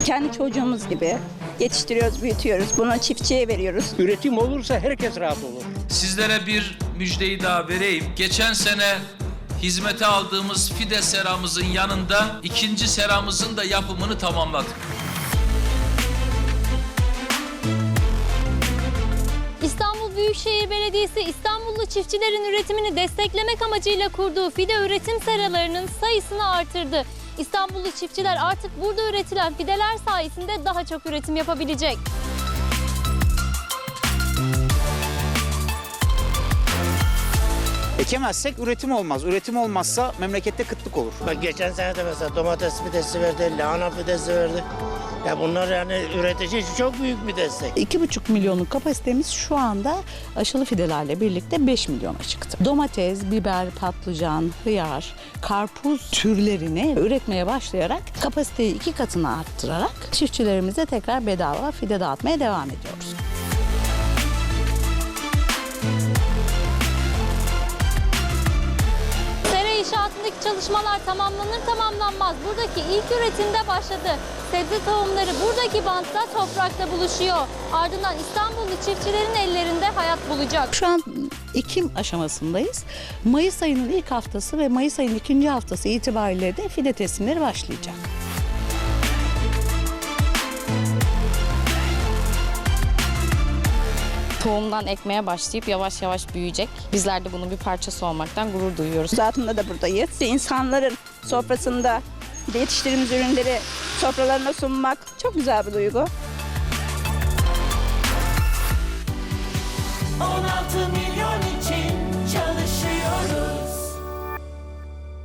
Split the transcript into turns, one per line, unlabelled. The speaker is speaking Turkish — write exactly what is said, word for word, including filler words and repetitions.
Kendi çocuğumuz gibi yetiştiriyoruz, büyütüyoruz. Bunu çiftçiye veriyoruz.
Üretim olursa herkes rahat olur.
Sizlere bir müjdeyi daha vereyim. Geçen sene hizmete aldığımız fide seramızın yanında ikinci seramızın da yapımını tamamladık.
İstanbul Büyükşehir Belediyesi İstanbullu çiftçilerin üretimini desteklemek amacıyla kurduğu fide üretim seralarının sayısını artırdı. İstanbullu çiftçiler artık burada üretilen fideler sayesinde daha çok üretim yapabilecek.
Ekemezsek üretim olmaz. Üretim olmazsa memlekette kıtlık olur.
Bak geçen sene de mesela domates fidesi verdi, lahana fidesi verdi. Ya bunlar yani üretici için çok büyük bir destek.
iki buçuk milyonluk kapasitemiz şu anda aşılı fidelerle birlikte beş milyona çıktı. Domates, biber, patlıcan, hıyar, karpuz türlerini üretmeye başlayarak kapasiteyi iki katına arttırarak çiftçilerimize tekrar bedava fide dağıtmaya devam ediyoruz.
Sera inşaatındaki çalışmalar tamamlanır tamamlanmaz buradaki ilk üretimde başladı. Sebze tohumları buradaki bantta toprakta buluşuyor. Ardından İstanbullu çiftçilerin ellerinde hayat bulacak.
Şu an Ekim aşamasındayız. Mayıs ayının ilk haftası ve Mayıs ayının ikinci haftası itibariyle de fide teslimleri başlayacak.
Tohumdan ekmeye başlayıp yavaş yavaş büyüyecek. Bizler de bunun bir parçası olmaktan gurur duyuyoruz.
Zatında da buradayız. İnsanların sofrasında yetiştirdiğimiz ürünleri sofralarına sunmak çok güzel bir duygu.
on altı milyon